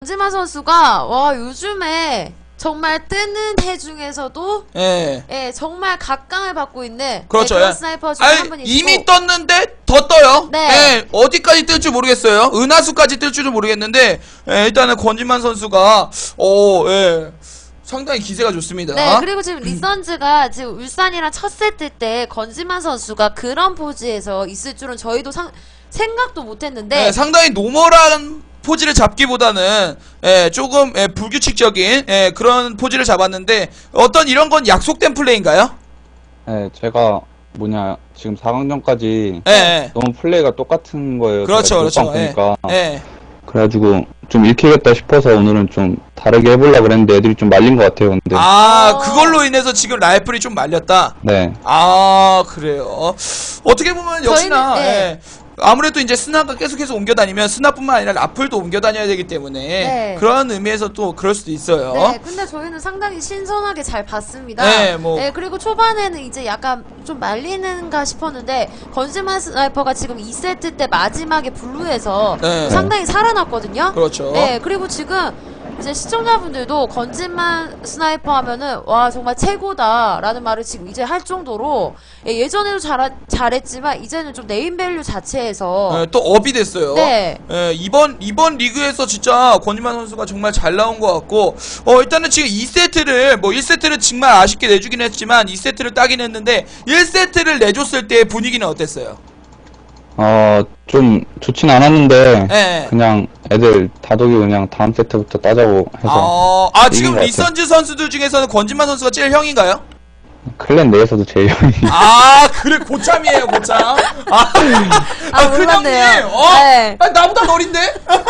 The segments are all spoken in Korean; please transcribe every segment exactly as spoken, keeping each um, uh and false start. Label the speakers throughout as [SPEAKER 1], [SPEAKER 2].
[SPEAKER 1] 권지만 선수가 와 요즘에 정말 뜨는 해 중에서도
[SPEAKER 2] 예,
[SPEAKER 1] 예 정말 각광을 받고 있는
[SPEAKER 2] 그렇죠.
[SPEAKER 1] 네, 그런
[SPEAKER 2] 예.
[SPEAKER 1] 스나이퍼 중에
[SPEAKER 2] 아니,
[SPEAKER 1] 한 분이
[SPEAKER 2] 이미
[SPEAKER 1] 있고.
[SPEAKER 2] 떴는데 더 떠요.
[SPEAKER 1] 네.
[SPEAKER 2] 예, 어디까지 뜰 줄 모르겠어요. 은하수까지 뜰 줄은 모르겠는데 예, 일단은 권지만 선수가 어, 예, 상당히 기세가 좋습니다.
[SPEAKER 1] 네, 그리고 지금 리선즈가 지금 울산이랑 첫 세트 때 권지만 선수가 그런 포즈에서 있을 줄은 저희도 상, 생각도 못했는데.
[SPEAKER 2] 예, 상당히 노멀한 포즈를 잡기보다는 예, 조금 예, 불규칙적인 예, 그런 포즈를 잡았는데 어떤 이런 건 약속된 플레이인가요?
[SPEAKER 3] 네, 제가 뭐냐 지금 사 강전까지
[SPEAKER 2] 예, 예.
[SPEAKER 3] 너무 플레이가 똑같은 거예요.
[SPEAKER 2] 그렇죠, 그렇죠.
[SPEAKER 3] 보니까
[SPEAKER 2] 예, 예.
[SPEAKER 3] 그래가지고 좀 읽히겠다 싶어서 오늘은 좀 다르게 해보려고 그랬는데 애들이 좀 말린 것 같아요. 근데
[SPEAKER 2] 아,
[SPEAKER 1] 어.
[SPEAKER 2] 그걸로 인해서 지금 라이플이 좀 말렸다.
[SPEAKER 3] 네,
[SPEAKER 2] 아, 그래요. 어떻게 보면 역시나
[SPEAKER 1] 저희는, 네.
[SPEAKER 2] 예, 아무래도 이제 스나가 계속해서 옮겨 다니면 스나뿐만 아니라 라플도 옮겨 다녀야 되기 때문에
[SPEAKER 1] 네.
[SPEAKER 2] 그런 의미에서 또 그럴 수도 있어요.
[SPEAKER 1] 네, 근데 저희는 상당히 신선하게 잘 봤습니다.
[SPEAKER 2] 네, 뭐.
[SPEAKER 1] 네, 그리고 초반에는 이제 약간 좀 말리는가 싶었는데 권지만 스나이퍼가 지금 이 세트 때 마지막에 블루에서
[SPEAKER 2] 네.
[SPEAKER 1] 상당히 살아났거든요.
[SPEAKER 2] 그렇죠.
[SPEAKER 1] 네, 그리고 지금 이제 시청자분들도 권지만 스나이퍼 하면은 와 정말 최고다라는 말을 지금 이제 할 정도로 예, 예전에도 잘, 잘했지만 이제는 좀 네임밸류 자체에서
[SPEAKER 2] 예, 또 업이 됐어요.
[SPEAKER 1] 네.
[SPEAKER 2] 예, 이번 이번 리그에서 진짜 권희만 선수가 정말 잘 나온 것 같고, 어 일단은 지금 이 세트를 뭐 일 세트를 정말 아쉽게 내주긴 했지만 이 세트를 따긴 했는데 일 세트를 내줬을 때 분위기는 어땠어요?
[SPEAKER 3] 어 좀 좋진 않았는데
[SPEAKER 2] 예.
[SPEAKER 3] 그냥 애들 다독이 그냥 다음 세트부터 따자고 해서
[SPEAKER 2] 어, 아 지금
[SPEAKER 3] 이긴 것 같아요.
[SPEAKER 2] 리선즈 선수들 중에서는 권진만 선수가 제일 형인가요?
[SPEAKER 3] 클랜 내에서도 제일 형이
[SPEAKER 2] 아 그래 고참이에요 고참. 아,
[SPEAKER 1] 아,
[SPEAKER 2] 아 큰형님,
[SPEAKER 1] 몰랐네요.
[SPEAKER 2] 어,
[SPEAKER 1] 네.
[SPEAKER 2] 아, 나보다 어린데?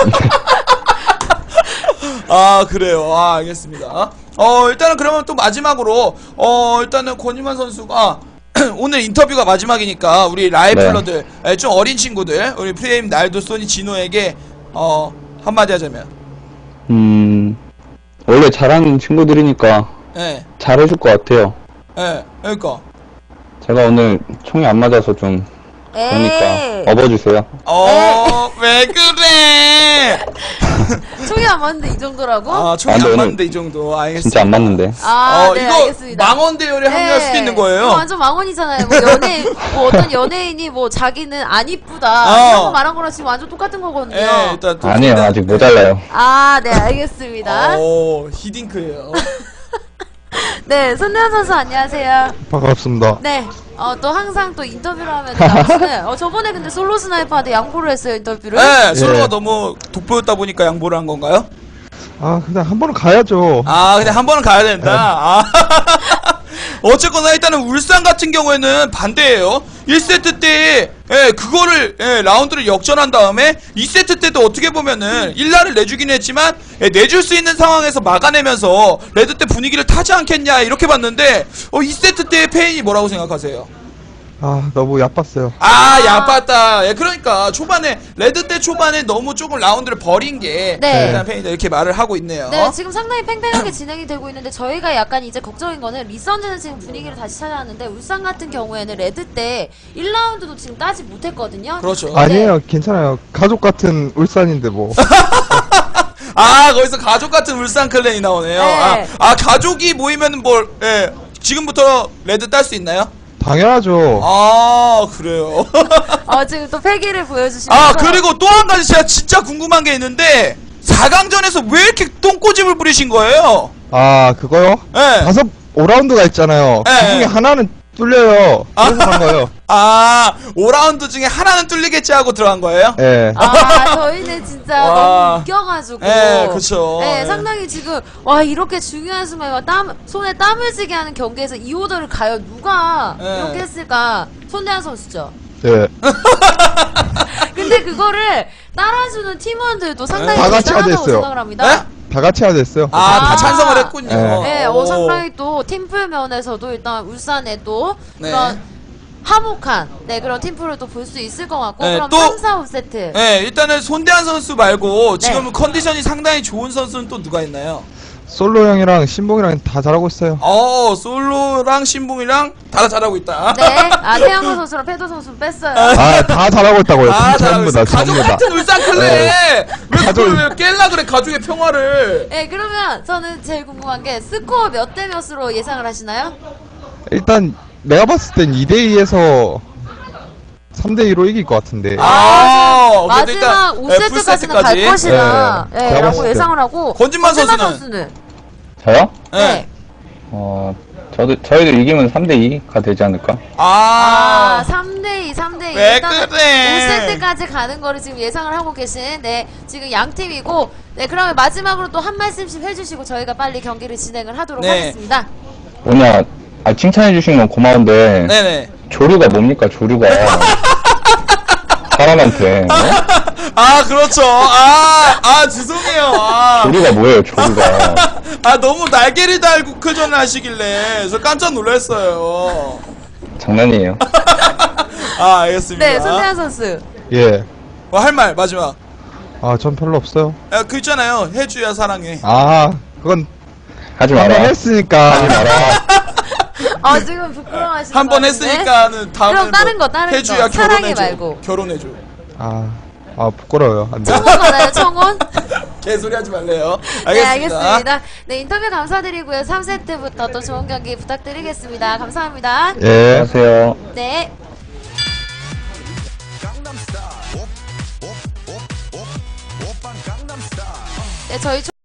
[SPEAKER 2] 아 그래요. 아 알겠습니다. 어 일단은 그러면 또 마지막으로 어 일단은 권희만 선수가 오늘 인터뷰가 마지막이니까 우리 라이플러들 네. 좀 어린 친구들 우리 프레임 날도 소니 진호에게 어 한마디 하자면
[SPEAKER 3] 음 원래 잘하는 친구들이니까
[SPEAKER 2] 예
[SPEAKER 3] 잘해줄 것 같아요.
[SPEAKER 2] 예 그러니까
[SPEAKER 3] 제가 오늘 총이 안 맞아서 좀 그러니까 업어주세요.
[SPEAKER 2] 어 왜 그래?
[SPEAKER 1] 총이 안 맞는데 이 정도라고?
[SPEAKER 2] 아 총이
[SPEAKER 3] 아,
[SPEAKER 2] 안
[SPEAKER 3] 근데
[SPEAKER 2] 맞는데 이 정도 알겠습니다.
[SPEAKER 3] 진짜 안 맞는데.
[SPEAKER 1] 아,
[SPEAKER 2] 어
[SPEAKER 1] 네,
[SPEAKER 2] 이거
[SPEAKER 1] 알겠습니다.
[SPEAKER 2] 망원 대열에 합류할 수도 있는 거예요.
[SPEAKER 1] 이거 완전 망언이잖아요. 뭐 연예인, 뭐 어떤 연예인이 뭐 자기는 안 이쁘다
[SPEAKER 2] 어.
[SPEAKER 1] 이런 거 말한 거랑 지금 완전 똑같은 거거든요.
[SPEAKER 2] 예 일단 또
[SPEAKER 3] 아니에요, 아직 모자라요.
[SPEAKER 1] 아, 네, 알겠습니다.
[SPEAKER 2] 오 히딩크예요.
[SPEAKER 1] 네, 손대현 선수 안녕하세요.
[SPEAKER 4] 반갑습니다.
[SPEAKER 1] 네, 어, 또 항상 또 인터뷰를 하면 나오시는. 어, 저번에 근데 솔로 스나이퍼한테 양보를 했어요 인터뷰를.
[SPEAKER 2] 네 솔로가
[SPEAKER 4] 예.
[SPEAKER 2] 너무 돋보였다 보니까 양보를 한 건가요?
[SPEAKER 4] 아, 그냥 한 번은 가야죠.
[SPEAKER 2] 아 그냥 한 번은 가야 된다. 아. 어쨌거나 일단은 울산 같은 경우에는 반대예요. 일 세트 때 예, 그거를 예, 라운드를 역전한 다음에 이 세트 때도 어떻게 보면은 일 라를 내주긴 했지만 예, 내줄 수 있는 상황에서 막아내면서 레드 때 분위기를 타지 않겠냐 이렇게 봤는데 어, 이 세트 때의 페인이 뭐라고 생각하세요?
[SPEAKER 4] 아, 너무 얕봤어요.
[SPEAKER 2] 아, 야빴다. 예, 그러니까 초반에 레드 때 초반에 너무 조금 라운드를 버린 게
[SPEAKER 1] 네.
[SPEAKER 2] 일단 페인이다 이렇게 말을 하고 있네요.
[SPEAKER 1] 네, 지금 상당히 팽팽하게 진행이 되고 있는데 저희가 약간 이제 걱정인 거는 리선즈는 지금 분위기를 다시 찾아왔는데 울산 같은 경우에는 레드 때 일 라운드도 지금 따지 못했거든요.
[SPEAKER 2] 그렇죠.
[SPEAKER 4] 아니에요, 괜찮아요. 가족 같은 울산인데 뭐.
[SPEAKER 2] 아 거기서 가족 같은 울산 클랜이 나오네요.
[SPEAKER 1] 네.
[SPEAKER 2] 아, 아 가족이 모이면 뭘 예, 지금부터 레드 딸 수 있나요?
[SPEAKER 4] 당연하죠.
[SPEAKER 2] 아 그래요.
[SPEAKER 1] 어, 지금 또 패기를 보여주시면서.
[SPEAKER 2] 아 그리고 또 한 가지 제가 진짜 궁금한 게 있는데 사 강전에서 왜 이렇게 똥꼬집을 부리신 거예요?
[SPEAKER 4] 아, 그거요?
[SPEAKER 2] 예.
[SPEAKER 4] 다섯 오 라운드가 있잖아요.
[SPEAKER 2] 네.
[SPEAKER 4] 그 중에 하나는 뚫려요. 그래서 간 거예요.
[SPEAKER 2] 아 오 라운드 중에 하나는 뚫리겠지 하고 들어간 거예요?
[SPEAKER 4] 예.
[SPEAKER 1] 아, 저희는 진짜
[SPEAKER 2] 와.
[SPEAKER 1] 너무 웃겨가지고.
[SPEAKER 2] 예, 그쵸.
[SPEAKER 1] 네,
[SPEAKER 2] 예.
[SPEAKER 1] 상당히 지금, 와, 이렇게 중요한 순간에 땀, 손에 땀을 쥐게 하는 경기에서 이 오더를 가요. 누가
[SPEAKER 2] 예.
[SPEAKER 1] 이렇게 했을까? 손대한 선수죠.
[SPEAKER 4] 예.
[SPEAKER 1] 근데 그거를 따라주는 팀원들도 상당히
[SPEAKER 4] 다 같이
[SPEAKER 1] 대단하다고
[SPEAKER 4] 하됐어요.
[SPEAKER 1] 생각을 합니다.
[SPEAKER 2] 네?
[SPEAKER 4] 다 같이 해야 됐어요.
[SPEAKER 2] 아, 다
[SPEAKER 1] 아.
[SPEAKER 2] 찬성을 했군요.
[SPEAKER 4] 네.
[SPEAKER 1] 네,
[SPEAKER 2] 오.
[SPEAKER 1] 어, 상당히 또 팀플 면에서도 일단 울산에 또
[SPEAKER 2] 네.
[SPEAKER 1] 그런 화목한 네 그런 팀플을 또 볼 수 있을 것 같고
[SPEAKER 2] 네,
[SPEAKER 1] 그럼
[SPEAKER 2] 또-
[SPEAKER 1] 삼, 사, 오 세트
[SPEAKER 2] 네, 일단은 손대한 선수 말고 지금
[SPEAKER 1] 네.
[SPEAKER 2] 컨디션이 상당히 좋은 선수는 또 누가 있나요?
[SPEAKER 4] 솔로 형이랑 신봉이랑 다 잘하고 있어요.
[SPEAKER 2] 어, 솔로랑 신봉이랑 다 잘하고 있다.
[SPEAKER 1] 네. 아, 태양호 선수랑 패도 선수 뺐어요.
[SPEAKER 4] 아, 다 잘하고 있다고요.
[SPEAKER 2] 아, 잘하고
[SPEAKER 4] 전부 다,
[SPEAKER 2] 있어. 가족
[SPEAKER 4] 전부 다.
[SPEAKER 2] 같은 울산 클레. 왜
[SPEAKER 4] 가족-
[SPEAKER 2] 그걸 왜 깰라 그래, 가족의 평화를.
[SPEAKER 1] 네, 그러면 저는 제일 궁금한 게 스코어 몇 대 몇으로 예상을 하시나요?
[SPEAKER 4] 일단 내가 봤을 땐 이 대 이에서 삼 대 이로 이길 것 같은데.
[SPEAKER 2] 아, 그래도
[SPEAKER 1] 마지막
[SPEAKER 2] 일단,
[SPEAKER 1] 오
[SPEAKER 2] 예,
[SPEAKER 1] 세트까지는 갈
[SPEAKER 2] 풀세트까지.
[SPEAKER 1] 것이다.
[SPEAKER 4] 네,
[SPEAKER 1] 네,
[SPEAKER 4] 제가
[SPEAKER 1] 라고
[SPEAKER 4] 봤을 때.
[SPEAKER 1] 예상을 하고.
[SPEAKER 2] 권진만 선수는?
[SPEAKER 1] 선수는?
[SPEAKER 3] 저요?
[SPEAKER 2] 예.
[SPEAKER 1] 네.
[SPEAKER 3] 어, 저도, 저희도 이기면 삼 대 이가 되지 않을까?
[SPEAKER 1] 아,
[SPEAKER 2] 아,
[SPEAKER 1] 삼 대 이, 삼 대 이.
[SPEAKER 2] 왜
[SPEAKER 1] 일단은
[SPEAKER 2] 그래?
[SPEAKER 1] 오 세트까지 가는 거를 지금 예상을 하고 계신, 네, 지금 양 팀이고, 네, 그러면 마지막으로 또 한 말씀씩 해주시고 저희가 빨리 경기를 진행을 하도록
[SPEAKER 2] 네.
[SPEAKER 1] 하겠습니다.
[SPEAKER 3] 뭐냐, 아, 칭찬해주신 건 고마운데,
[SPEAKER 2] 네네.
[SPEAKER 3] 조류가 뭡니까, 조류가. 사람한테. 어?
[SPEAKER 2] 아, 그렇죠. 아, 아, 죄송해요. 아,
[SPEAKER 3] 조류가 뭐예요, 조류가.
[SPEAKER 2] 아 너무 날개를 달고 크전을 하시길래 저 깜짝 놀랐어요.
[SPEAKER 3] 장난이에요.
[SPEAKER 2] 아, 알겠습니다.
[SPEAKER 1] 네, 손태환 선수.
[SPEAKER 4] 예.
[SPEAKER 2] 어, 할 말 마지막.
[SPEAKER 4] 아, 전 별로 없어요.
[SPEAKER 2] 야, 그 있잖아요. 해주야 사랑해.
[SPEAKER 4] 아, 그건
[SPEAKER 3] 하지
[SPEAKER 4] 한 번
[SPEAKER 3] 마라.
[SPEAKER 4] 했으니까.
[SPEAKER 3] 하지 마라.
[SPEAKER 1] 아, 지금 부끄러워하시는
[SPEAKER 2] 한 번
[SPEAKER 1] 것 같은데?
[SPEAKER 2] 했으니까는 다음에
[SPEAKER 1] 그럼 다른 거, 다른
[SPEAKER 2] 해주야
[SPEAKER 1] 거. 사랑해
[SPEAKER 2] 결혼해줘.
[SPEAKER 1] 말고.
[SPEAKER 2] 결혼해줘.
[SPEAKER 4] 아, 아, 부끄러워요. 안 돼.
[SPEAKER 1] 청혼 받아요, 청혼?
[SPEAKER 2] 개소리 하지 말래요. 알겠습니다.
[SPEAKER 1] 네, 알겠습니다. 네, 인터뷰 감사드리고요. 삼 세트부터 또 좋은 경기 부탁드리겠습니다. 감사합니다.
[SPEAKER 4] 예.
[SPEAKER 3] 안녕하세요.
[SPEAKER 1] 네. 네, 저희